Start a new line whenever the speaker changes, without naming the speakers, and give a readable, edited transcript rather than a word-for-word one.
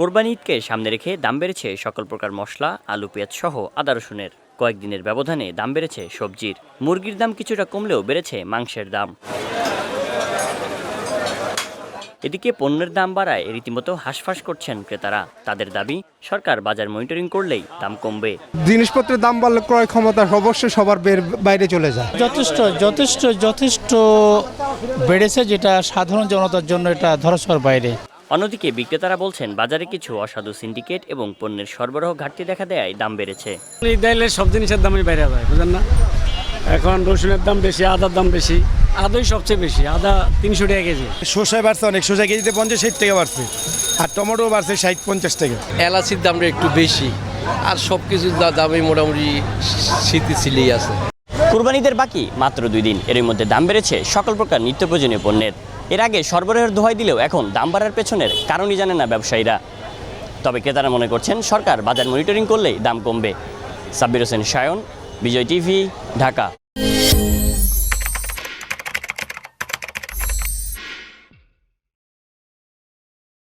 কোরবানি ঈদকে সামনে রেখে দাম বেড়েছে সকল প্রকার মশলা, আলু, পেঁয়াজ সহ আদা রসুনের। কয়েকদিনের ব্যবধানে দাম বেড়েছে সবজির। মুরগির দাম কিছুটা কমলেও বেড়েছে মাংসের দাম। এদিকে পণ্যের দাম বাড়ায় রীতিমতো হাঁসফাঁস করছেন ক্রেতারা। তাদের দাবি, সরকার বাজার মনিটরিং করলেই দাম কমবে।
জিনিসপত্রের দাম বাড়লে ক্রয় ক্ষমতা অবশ্যই সবার বাইরে চলে যায়।
যথেষ্ট বেড়েছে, যেটা সাধারণ জনতার জন্য এটা ধরাছোঁয়ার বাইরে।
অন্যদিকে বিক্রেতারা বলছেন, বাজারে কিছু অসাধু সিন্ডিকেট এবং পণ্যের সরবরাহ ঘাটতি দেখা দেয় দাম বেড়েছে।
সব জিনিসের দামই বাইরে যায়, বুঝেন না? এখন রসুনের দাম বেশি, আদার দাম বেশি। আদাই সবচেয়ে বেশি, আদা 300 টাকা কেজি।
শসায় বাড়ছে অনেক, শসা কেজিতে 50-60 টাকা বাড়ছে, আর টমেটো বাড়ছে 60-50 টাকা।
এলাচির দামটা একটু বেশি, আর সব কিছুর দামই মোটামুটি স্থিতিশীলই আছে।
কুরবানিদের বাকি মাত্র 2 দিন, এর মধ্যে দাম বেড়েছে সকল প্রকার নিত্য প্রয়োজনীয় পণ্যের। এর আগে সরবরাহের দোহাই দিলেও এখন দাম বাড়ার পেছনের কারণই জানে না ব্যবসায়ীরা। তবে ক্রেতারা মনে করছেন, সরকার বাজার মনিটরিং করলেই দাম কমবে। সাব্বির হোসেন সায়ন, বিজয় টিভি, ঢাকা।